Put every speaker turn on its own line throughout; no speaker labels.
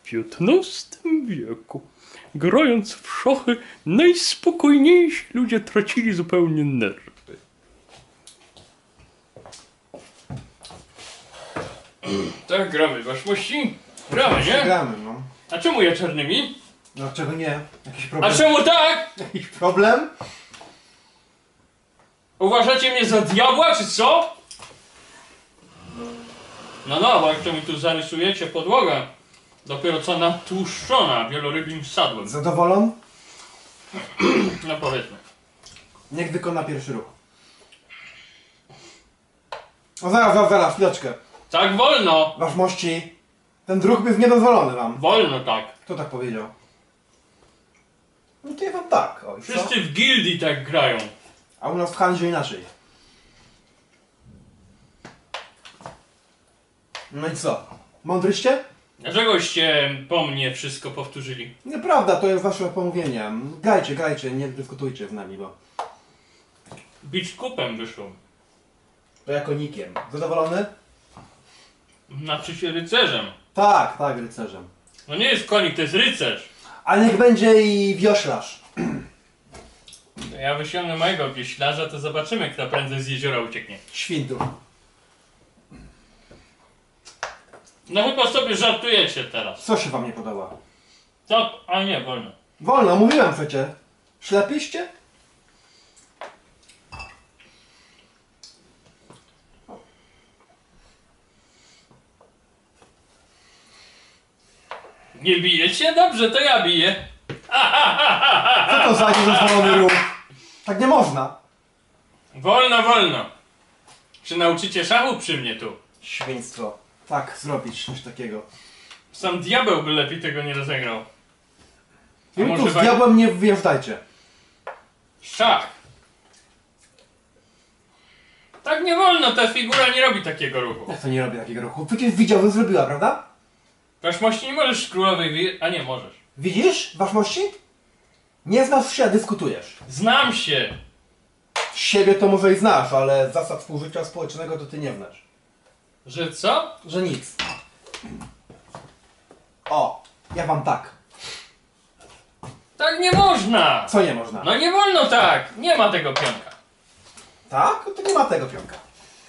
XV wieku, grając w szachy, najspokojniejsi ludzie tracili zupełnie nerwy. Tak, gramy, waszmości? Gramy, nie?
Gramy, no.
A czemu ja czarnymi?
Dlaczego nie? Jakiś problem?
A czemu tak?
Jakiś problem?
Uważacie mnie za diabła, czy co? No, bo jak to mi tu zarysujecie podłogę, dopiero co natłuszczona wielorybim sadłem.
Zadowolony?
No powiedzmy.
Niech wykona pierwszy ruch. O zaraz, chwileczkę.
Tak wolno!
Waszmości, ten ruch jest niedozwolony wam.
Wolno tak.
Kto tak powiedział? No to ja wam tak, oj, co?
Wszyscy w gildii tak grają.
A u nas w handlu inaczej. No i co? Mądryście?
Dlaczegoście po mnie wszystko powtórzyli?
Nieprawda, to jest wasze pomówienie. Grajcie, nie dyskutujcie z nami, bo...
Bić kupem wyszło.
To jako nikiem. Zadowolony?
Znaczy się rycerzem.
Tak, rycerzem.
No nie jest konik, to jest rycerz.
A niech będzie i wioślarz.
To ja wysiągnę mojego wioślarza, to zobaczymy, kto prędzej z jeziora ucieknie.
Świntu.
No chyba sobie żartujecie teraz.
Co się wam nie podoba?
Co? A nie, wolno.
Wolno, mówiłem przecie. Ślepiście?
Nie bijecie? Dobrze, to ja biję.
Co to za niedozwolony ruch? Tak nie można.
Wolno. Czy nauczycie szachu przy mnie tu?
Świństwo. Tak, zrobić coś takiego.
Sam diabeł by lepiej tego nie rozegrał. A
Tu
może
z diabłem nie wjeżdżajcie.
Szach. Tak nie wolno, ta figura nie robi takiego ruchu.
Jak to nie robię takiego ruchu? Przecież widział, że zrobiła, prawda?
Waszmości nie możesz królowej a nie możesz.
Widzisz, waszmości? Nie znasz się, a dyskutujesz.
Znam się.
Siebie to może i znasz, ale zasad współżycia społecznego to ty nie znasz.
Że co?
Że nic. O, ja wam tak.
Tak nie można.
Co nie można?
No nie wolno tak. Nie ma tego pionka.
Tak? To nie ma tego pionka.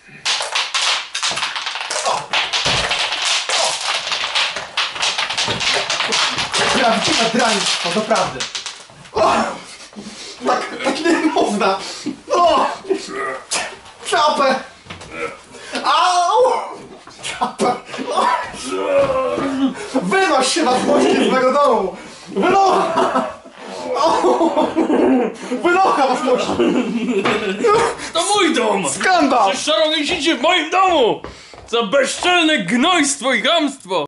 Prawdziwe draństwo, doprawdy. Tak nie można. O! Czapę! Au! Czapę! Wynoś się na złości z mego domu! Wynocha! Wynocha was mości!
To mój dom.
Skandal!
Przecież szarogęsicie w moim domu. Za bezczelne gnojstwo i chamstwo.